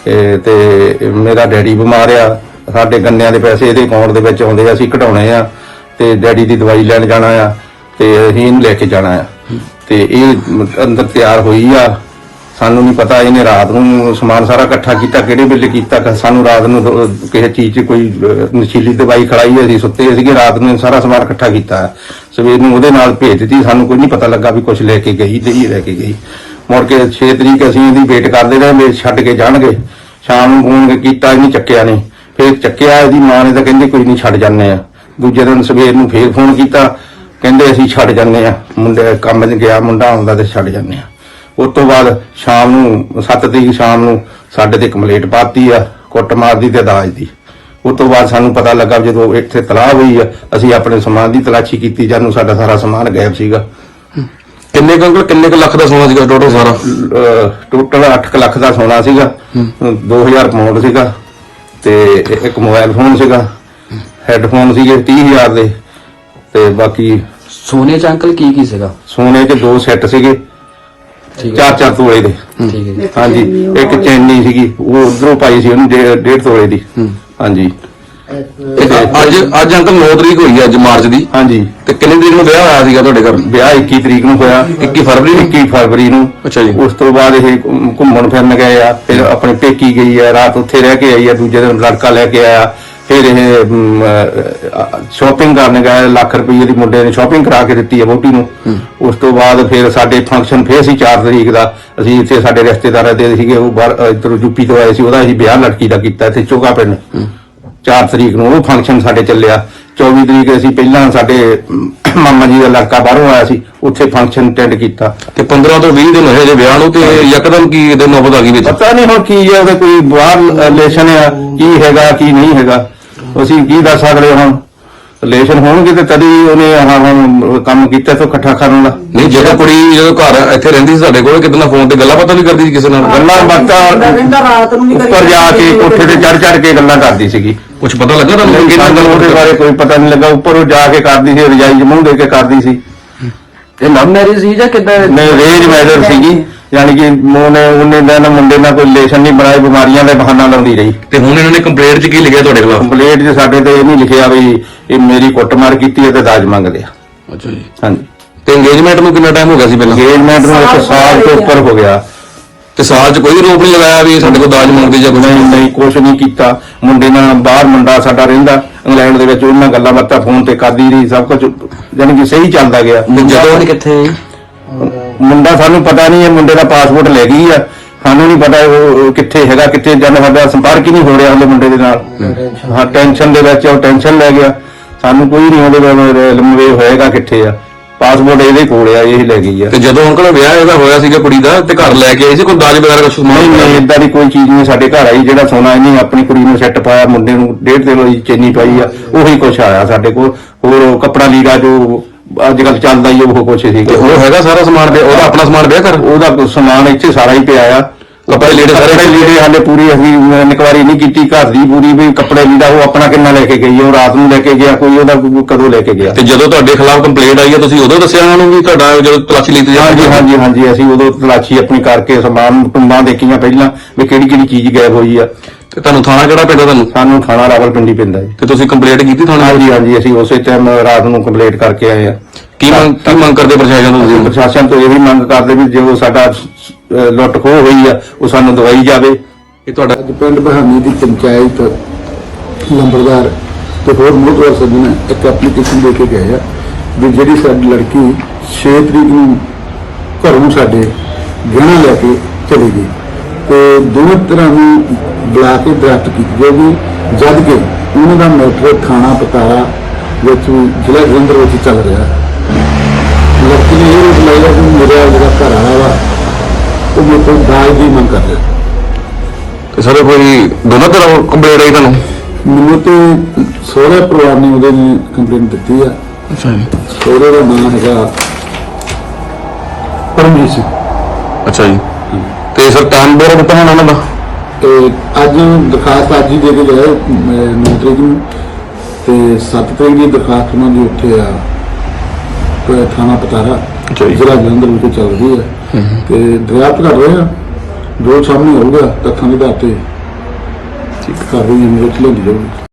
ਤੇ ਮੇਰਾ ਡੈਡੀ ਬਿਮਾਰ ਆ, ਸਾਡੇ ਗੰਨਿਆਂ ਦੇ ਪੈਸੇ ਇਹਦੇ ਅਕਾਊਂਟ ਦੇ ਵਿੱਚ ਆਉਂਦੇ ਆ, ਅਸੀਂ ਕਢਾਉਣੇ ਆ ਤੇ ਡੈਡੀ ਦੀ ਦਵਾਈ ਲੈਣ ਜਾਣਾ ਆ ਤੇ ਅਸੀਂ ਇਹਨੂੰ ਲੈ ਕੇ ਜਾਣਾ ਆ। ਤੇ ਇਹ ਅੰਦਰ ਤਿਆਰ ਹੋਈ ਆ, ਸਾਨੂੰ ਨਹੀਂ ਪਤਾ ਇਹਨੇ ਰਾਤ ਨੂੰ ਸਮਾਨ ਸਾਰਾ ਇਕੱਠਾ ਕੀਤਾ, ਕਿਹੜੇ ਵੇਲੇ ਕੀਤਾ ਸਾਨੂੰ ਰਾਤ ਨੂੰ ਕਿਸੇ ਚੀਜ਼ 'ਚ ਕੋਈ ਨਸ਼ੀਲੀ ਦਵਾਈ ਖੜਾਈ, ਅਸੀਂ ਸੁੱਤੇ ਸੀਗੇ, ਰਾਤ ਨੂੰ ਸਾਰਾ ਸਮਾਨ ਇਕੱਠਾ ਕੀਤਾ, ਸਵੇਰ ਨੂੰ ਉਹਦੇ ਨਾਲ ਭੇਜ ਦਿੱਤੀ। ਸਾਨੂੰ ਕੋਈ ਨਹੀਂ ਪਤਾ ਲੱਗਾ ਵੀ ਕੁਝ ਲੈ ਕੇ ਗਈ ਤੇ ਇਹ ਲੈ ਕੇ ਗਈ। ਮੁੜ ਕੇ 6 ਤਰੀਕ ਅਸੀਂ ਇਹਦੀ ਵੇਟ ਕਰਦੇ ਰਹੇ ਵੀ ਛੱਡ ਕੇ ਜਾਣਗੇ। ਸ਼ਾਮ ਨੂੰ ਫੋਨ ਕੀਤਾ, ਇਹਨੇ ਚੱਕਿਆ ਨਹੀਂ, ਫਿਰ ਚੱਕਿਆ ਇਹਦੀ ਮਾਂ ਨੇ ਤਾਂ ਕਹਿੰਦੇ ਕੋਈ ਨਹੀਂ ਛੱਡ ਜਾਂਦੇ ਆ। ਦੂਜੇ ਦਿਨ ਸਵੇਰ ਨੂੰ ਫੇਰ ਫੋਨ ਕੀਤਾ, ਕਹਿੰਦੇ ਅਸੀਂ ਛੱਡ ਜਾਂਦੇ ਆ, ਮੁੰਡੇ ਕੰਮ 'ਚ ਗਿਆ, ਮੁੰਡਾ ਆਉਂਦਾ ਤੇ ਛੱਡ ਜਾਂਦੇ ਆ। ਉਸ ਤੋਂ ਬਾਅਦ ਸ਼ਾਮ ਨੂੰ 7 ਤਰੀਕ ਸ਼ਾਮ ਨੂੰ ਸਾਡੇ ਤੇ ਕੰਪਲੇਂਟ ਪਾਤੀ ਆ ਕੁੱਟਮਾਰ ਦੀ ਤੇ ਦਾਜ ਦੀ। ਉਸ ਤੋਂ ਬਾਅਦ ਸਾਨੂੰ ਪਤਾ ਲੱਗਾ ਜਦੋਂ ਇੱਥੇ ਤਲਾਹ ਹੋਈ ਆ, ਅਸੀਂ ਆਪਣੇ ਸਮਾਨ ਦੀ ਤਲਾਸ਼ੀ ਕੀਤੀ, ਜਾਨੂੰ ਸਾਡਾ ਸਾਰਾ ਸਮਾਨ ਗਾਇਬ ਸੀਗਾ।
ਕਿੰਨੇ ਕੁ ਲੱਖ ਦਾ ਸੋਨਾ ਸੀਗਾ ਟੋਟਲ ਸਾਰਾ?
ਟੋਟਲ 8 ਲੱਖ ਦਾ ਸੋਨਾ ਸੀਗਾ, 2000 ਪਾਉਂਡ ਸੀਗਾ ਤੇ ਇੱਕ ਮੋਬਾਈਲ ਫੋਨ ਸੀਗਾ, ਹੈੱਡਫੋਨ ਸੀਗੇ 30,000 ਦੇ ਤੇ ਬਾਕੀ
ਸੋਨੇ ਚ ਅੰਕਲ ਕੀ ਸੀਗਾ?
ਸੋਨੇ 'ਚ 2 ਸੈੱਟ ਸੀਗੇ 4-4 ਤੋਲੇ ਦੇ।
ਠੀਕ ਹੈ ਜੀ।
ਹਾਂਜੀ, ਇੱਕ ਚੈਨੀ ਸੀਗੀ ਉਹ ਉਧਰੋਂ ਪਾਈ ਸੀ ਉਹਨੂੰ 1.5 ਤੋਲੇ ਦੀ। ਹਾਂਜੀ,
ਅੱਜ ਅੰਕਲ 9 ਤਰੀਕ ਹੋਈ ਹੈ ਅੱਜ ਮਾਰਚ ਦੀ।
ਹਾਂਜੀ।
ਤੇ ਕਿੰਨੀ ਤਰੀਕ ਨੂੰ ਵਿਆਹ ਹੋਇਆ ਸੀਗਾ ਤੁਹਾਡੇ ਘਰ?
ਵਿਆਹ 21 ਤਰੀਕ ਨੂੰ ਹੋਇਆ।
21 ਫਰਵਰੀ ਨੂੰ। ਅੱਛਾ ਜੀ।
ਉਸ ਤੋਂ ਬਾਅਦ ਇਹ ਘੁੰਮਣ ਫਿਰਨ ਗਏ ਆ, ਫਿਰ ਆਪਣੇ ਪੇਕੀ ਗਈ ਆ, ਰਾਤ ਉੱਥੇ ਰਹਿ ਕੇ ਆਈ ਆ, ਦੂਜੇ ਦਿਨ ਲੜਕਾ ਲੈ ਕੇ ਆਇਆ। ਫਿਰ ਇਹ ਸ਼ਾਪਿੰਗ ਕਰਨ ਗਏ, ਲੱਖ ਰੁਪਏ ਦੀ ਮੁੰਡੇ ਨੇ ਸ਼ਾਪਿੰਗ ਕਰਾ ਕੇ ਦਿੱਤੀ ਆ ਵਹੁਟੀ ਨੂੰ। ਉਸ ਤੋਂ ਬਾਅਦ ਫਿਰ ਸਾਡੇ ਫੰਕਸ਼ਨ ਫੇਰ ਸੀ 4 ਤਰੀਕ ਦਾ। ਅਸੀਂ ਇੱਥੇ ਸਾਡੇ ਰਿਸ਼ਤੇਦਾਰਾਂ ਦੇ ਸੀਗੇ, ਉਹ ਬਾਹਰ ਇੱਧਰੋਂ ਯੂਪੀ ਤੋਂ ਆਏ ਸੀ, ਉਹਦਾ ਅਸੀਂ ਵਿਆਹ ਲੜਕੀ ਦਾ ਕੀਤਾ ਇੱਥੇ ਚੋਗਾ ਪਿੰਡ। 4 ਤਰੀਕ ਨੂੰ ਉਹ ਫੰਕਸ਼ਨ ਸਾਡੇ ਚੱਲਿਆ। 24 ਤਰੀਕ ਅਸੀਂ ਪਹਿਲਾਂ ਸਾਡੇ ਮਾਮਾ ਜੀ ਦਾ ਲੜਕਾ ਬਾਹਰੋਂ ਆਇਆ ਸੀ, ਉੱਥੇ ਫੰਕਸ਼ਨ ਅਟੈਂਡ ਕੀਤਾ।
ਤੇ 15 ਤੋਂ 20 ਦਿਨ ਹੋਏ ਜੇ ਵਿਆਹ ਨੂੰ, ਤੇ ਯਕਦਮ ਕੀ ਇਹਦੇ ਨੌਬਤ ਆ ਗਈ ਵਿੱਚ?
ਪਤਾ ਨਹੀਂ ਹੁਣ ਕੀ ਹੈ, ਉਹਦਾ ਕੋਈ ਬਾਹਰ ਰਿਲੇਸ਼ਨ ਆ, ਕੀ ਹੈਗਾ ਕੀ ਨਹੀਂ ਹੈਗਾ, ਅਸੀਂ ਕੀ ਦੱਸ ਸਕਦੇ। ਹੁਣ ਰਿਲੇਸ਼ਨ ਹੋਣਗੇ ਤੇ ਤਦ ਹੀ ਉਹਨੇ ਹੁਣ ਕੰਮ ਕੀਤਾ ਤੋਂ ਇਕੱਠਾ ਕਰਨ ਦਾ।
ਨਹੀਂ, ਜਦੋਂ ਕੁੜੀ ਜਦੋਂ ਘਰ ਇੱਥੇ ਰਹਿੰਦੀ ਸੀ ਸਾਡੇ ਕੋਲ, ਕਿਤੇ ਨਾ ਫੋਨ ਤੇ ਗੱਲਾਂ ਬਾਤਾਂ ਵੀ ਕਰਦੀ ਸੀ ਕਿਸੇ ਨਾਲ?
ਗੱਲਾਂ ਬਾਤਾਂ
ਰਾਤ ਨੂੰ
ਉੱਪਰ ਜਾ ਕੇ ਕੋਠੇ ਤੇ ਚੜ ਕੇ ਗੱਲਾਂ ਕਰਦੀ ਸੀਗੀ।
ਕੁਝ ਪਤਾ ਲੱਗਾ ਤੁਹਾਨੂੰ?
ਸਾਨੂੰ ਉਹਦੇ ਬਾਰੇ ਕੋਈ ਪਤਾ ਨਹੀਂ ਲੱਗਾ। ਉੱਪਰ ਉਹ ਜਾ ਕੇ ਕਰਦੀ ਸੀ, ਰਜਾਈ ਚ ਮੂੰਹ ਦੇ ਕੇ ਕਰਦੀ ਸੀ।
ਇਹ ਲਵ ਮੈਰਿਜ ਸੀ ਜਾਂ ਕਿੱਦਾਂ?
ਨਹੀਂ, ਰੇਂਜ ਮੈਰਿਜ ਸੀਗੀ, ਯਾਨੀ ਕਿ ਉਹਨੇ ਨਾ ਮੁੰਡੇ ਨਾਲ ਕੋਈ ਰਿਲੇਸ਼ਨ ਨਹੀਂ ਬਣਾਏ, ਬਿਮਾਰੀਆਂ ਦਾ ਬਹਾਨਾ ਲਾਉਂਦੀ ਰਹੀ।
ਤੇ ਹੁਣ ਇਹਨਾਂ ਨੇ ਕੰਪਲੇਂਟ 'ਚ ਕੀ ਲਿਖਿਆ ਤੁਹਾਡੇ ਖਿਲਾਫ?
ਕੰਪਲੇਂਟ 'ਚ ਸਾਡੇ ਤੇ ਇਹ ਨਹੀਂ ਲਿਖਿਆ ਵੀ ਇਹ ਮੇਰੀ ਕੁੱਟਮਾਰ ਕੀਤੀ ਹੈ ਤੇ ਦਾਜ ਮੰਗਦੇ ਆ।
ਅੱਛਾ ਜੀ।
ਹਾਂਜੀ।
ਤੇ ਇੰਗੇਜਮੈਂਟ ਨੂੰ ਕਿੰਨਾ ਟਾਈਮ ਹੋ ਗਿਆ ਸੀ ਪਹਿਲਾਂ?
ਇੰਗੇਜਮੈਂਟ ਨੂੰ 1 ਸਾਲ ਤੋਂ ਉੱਪਰ ਹੋ ਗਿਆ।
ਤੇ ਸਾਲ 'ਚ ਕੋਈ ਰੋਪ ਨਹੀਂ ਲਗਾਇਆ ਵੀ ਸਾਡੇ ਕੋਲ ਦਾਜ ਮੰਗਦੇ ਜਾਂ ਕੁਝ?
ਨਹੀਂ, ਕੁਛ ਨਹੀਂ ਕੀਤਾ। ਮੁੰਡੇ ਨਾਲ ਬਾਹਰ ਮੁੰਡਾ ਸਾਡਾ ਰਹਿੰਦਾ ਇੰਗਲੈਂਡ ਦੇ ਵਿੱਚ, ਉਹਨਾਂ ਗੱਲਾਂ ਬਾਤਾਂ ਫੋਨ ਤੇ ਕਰਦੀ ਰਹੀ, ਸਭ ਕੁਝ ਯਾਨੀ ਕਿ ਸਹੀ ਚੱਲਦਾ ਗਿਆ।
ਜਦੋਂ ਕਿੱਥੇ
ਮੁੰਡਾ ਸਾਨੂੰ ਪਤਾ ਨਹੀਂ, ਇਹ ਮੁੰਡੇ ਦਾ ਪਾਸਪੋਰਟ ਲੈ ਗਈ ਆ, ਸਾਨੂੰ ਨਹੀਂ ਪਤਾ ਉਹ ਕਿੱਥੇ ਹੈਗਾ ਕਿੱਥੇ ਜਨ, ਸਾਡਾ ਸੰਪਰਕ ਹੀ ਨਹੀਂ ਹੋ ਰਿਹਾ ਉਹਦੇ ਮੁੰਡੇ ਦੇ ਨਾਲ। ਹਾਂ, ਟੈਨਸ਼ਨ ਦੇ ਵਿੱਚ ਉਹ ਟੈਨਸ਼ਨ ਲੈ ਗਿਆ, ਸਾਨੂੰ ਕੋਈ ਨਹੀਂ ਉਹਦੇ ਲੰਮੇ ਹੋਏਗਾ ਕਿੱਥੇ ਆ। ਪਾਸਪੋਰਟ ਇਹਦੇ ਕੋਲ ਆ, ਇਹ ਲੈ ਗਈ ਆ।
ਤੇ ਜਦੋਂ ਅੰਕਲ ਵਿਆਹ ਇਹਦਾ ਹੋਇਆ ਸੀਗਾ ਕੁੜੀ ਦਾ, ਤੇ ਘਰ ਲੈ ਕੇ ਆਈ ਸੀ ਕੋਈ ਦਾਜ ਵਗੈਰਾ ਕੁਝ?
ਨਹੀਂ, ਏਦਾਂ ਦੀ ਕੋਈ ਚੀਜ਼ ਨਹੀਂ ਸਾਡੇ ਘਰ ਆਈ। ਜਿਹੜਾ ਸੋਨਾ ਇਹਨੇ ਆਪਣੀ ਕੁੜੀ ਨੂੰ ਸੈੱਟ ਪਾਇਆ, ਮੁੰਡੇ ਨੂੰ 1.5 ਕਿਲੋ ਦੀ ਚੈਨੀ ਪਾਈ ਆ, ਉਹੀ ਕੁਛ ਆਇਆ ਸਾਡੇ ਕੋਲ। ਹੋਰ ਕੱਪੜਾ ਲੀੜਾ ਜੋ ਅੱਜ ਕੱਲ ਚੱਲਦਾ ਹੀ ਉਹ ਕੁਛ ਸੀਗਾ।
ਉਹ ਹੈਗਾ ਸਾਰਾ ਸਮਾਨ ਪਿਆ? ਉਹਦਾ ਆਪਣਾ ਸਮਾਨ ਪਿਆ ਘਰ?
ਉਹਦਾ ਸਮਾਨ ਇੱਥੇ ਸਾਰਾ ਹੀ ਪਿਆ ਆ।
ਕੱਪੜੇ ਲੀੜੇ ਸਾਰੇ
ਲੀੜੇ ਹਾਲੇ ਪੂਰੀ ਅਸੀਂ ਇਨਕੁਆਰੀ ਨਹੀਂ ਕੀਤੀ ਘਰ ਦੀ ਪੂਰੀ ਵੀ ਕੱਪੜੇ ਲੀੜਾ ਉਹ ਆਪਣਾ ਕਿੰਨਾ ਲੈ ਕੇ ਗਈ, ਉਹ ਰਾਤ ਨੂੰ ਲੈ ਕੇ ਗਿਆ, ਕੋਈ ਉਹਦਾ ਕਦੋਂ ਲੈ ਕੇ ਗਿਆ।
ਤੇ ਜਦੋਂ ਤੁਹਾਡੇ ਖਿਲਾਫ ਕੰਪਲੇਂਟ ਆਈ ਹੈ, ਤੁਸੀਂ ਉਦੋਂ ਦੱਸਿਆ ਉਹਨਾਂ ਨੂੰ ਵੀ ਤੁਹਾਡਾ ਜਦੋਂ ਤਲਾਸ਼ੀ ਲਈ?
ਹਾਂਜੀ, ਅਸੀਂ ਉਦੋਂ ਤਲਾਸ਼ੀ ਆਪਣੀ ਕਰਕੇ ਸਮਾਨ ਟੁੰਬਾਂ ਦੇਖੀਆਂ ਪਹਿਲਾਂ ਵੀ ਕਿਹੜੀ ਕਿਹੜੀ ਚੀਜ਼ ਗਾਇਬ ਹੋਈ ਆ।
ਤੇ ਤੁਹਾਨੂੰ ਥਾਣਾ ਕਿਹੜਾ ਪੈਂਦਾ ਤੁਹਾਨੂੰ?
ਸਾਨੂੰ ਥਾਣਾ ਰਾਵਲਪਿੰਡੀ ਪੈਂਦਾ ਜੀ।
ਤੇ ਤੁਸੀਂ ਕੰਪਲੇਂਟ ਕੀਤੀ ਥਾਣੇ?
ਹਾਂਜੀ, ਅਸੀਂ ਉਸੇ ਟਾਈਮ ਰਾਤ ਨੂੰ ਕੰਪਲੇਂਟ ਕਰਕੇ ਆਏ ਆ।
ਕੀ ਮੰਗ ਕਰਦੇ ਪ੍ਰਸ਼ਾਸਨ ਤੋਂ? ਤੁਸੀਂ
ਪ੍ਰਸ਼ਾਸਨ ਤੋਂ ਇਹ ਵੀ ਮੰਗ ਕਰਦੇ ਵੀ ਜੋ ਸਾਡਾ ਲੁੱਟ ਖੋਹ ਹੋਈ ਆ ਉਹ ਸਾਨੂੰ ਦਵਾਈ ਜਾਵੇ।
ਇਹ ਤੁਹਾਡਾ
ਅੱਜ ਪਿੰਡ ਬਹਾਨੀ ਦੀ ਪੰਚਾਇਤ ਲੰਬੜਦਾਰ ਤੇ ਹੋਰ ਮੋਹਤਵਾਰ ਸੱਜਣ ਇੱਕ ਐਪਲੀਕੇਸ਼ਨ ਦੇ ਕੇ ਗਏ ਆ ਵੀ ਜਿਹੜੀ ਸਾਡੀ ਲੜਕੀ 6 ਤਰੀਕ ਨੂੰ ਘਰੋਂ ਸਾਡੇ ਗਹਿਣਾ ਲੈ ਕੇ ਚਲੀ ਗਈ ਤੇ ਦੋਵੇਂ ਤਰ੍ਹਾਂ ਨੂੰ ਬੁਲਾ ਕੇ ਦਰਖਤ ਕੀਤੀ ਜਾਊਗੀ, ਜਦ ਕਿ ਉਹਨਾਂ ਦਾ ਮੈਟਰ ਥਾਣਾ ਪਤਾਰਾ ਵਿੱਚ ਜ਼ਿਲ੍ਹਾ ਜਲੰਧਰ ਵਿੱਚ ਚੱਲ ਰਿਹਾ। ਲੜਕੀ ਨੇ ਇਹ ਰੋਕ ਲਾਇਆ ਕਿ ਮੇਰਾ ਜਿਹੜਾ ਘਰ ਵਾਲਾ ਵਾ ਉਹ ਮੇਰੇ ਕੋਲ ਦਾਜ ਦੀ ਮੰਗ ਕਰ ਰਿਹਾ।
ਤੇ ਸਾਰੇ ਕੋਈ ਦੋਨਾਂ ਤਰ੍ਹਾਂ ਕੰਪਲੇਂਟ ਆਈ ਤੁਹਾਨੂੰ?
ਮੈਨੂੰ ਤੇ ਸਹੁਰੇ ਪਰਿਵਾਰ ਨੇ ਉਹਦੇ ਨੇ ਕੰਪਲੇਂਟ ਦਿੱਤੀ ਆ।
ਅੱਛਾ ਜੀ।
ਸਹੁਰੇ ਦਾ ਨਾਮ ਹੈਗਾ ਪਰਮਜੀਤ ਸਿੰਘ।
ਅੱਛਾ ਜੀ। ਤੇ ਸਰ ਟਾਈਮ ਬੋਰ ਦਿੱਤਾ ਹੋਣਾ ਉਹਨਾਂ ਦਾ?
ਤੇ ਅੱਜ ਦਰਖਾਸਤ ਅੱਜ ਹੀ ਦੇ ਕੇ ਗਏ 9 ਤਰੀਕ ਨੂੰ, ਤੇ 7 ਤਰੀਕ ਦੀ ਦਰਖਾਸਤ ਉਹਨਾਂ ਦੀ ਉੱਥੇ ਆ ਥਾਣਾ ਪਤਾਰਾ ਜ਼ਿਲ੍ਹਾ ਜਲੰਧਰ ਵਿੱਚ ਚੱਲ ਰਹੀ ਹੈ। ਤੇ ਦਰਿਆਫਤ ਕਰ ਰਹੇ ਆ, ਜੋ ਸਾਹਮਣੇ ਆਊਗਾ ਤੱਥਾਂ ਦੇ ਆਧਾਰ ਤੇ ਕਰ ਰਹੀ ਹੈ, ਮੇਰੇ ਲੈਂਦੀ ਜਾਊਗੀ।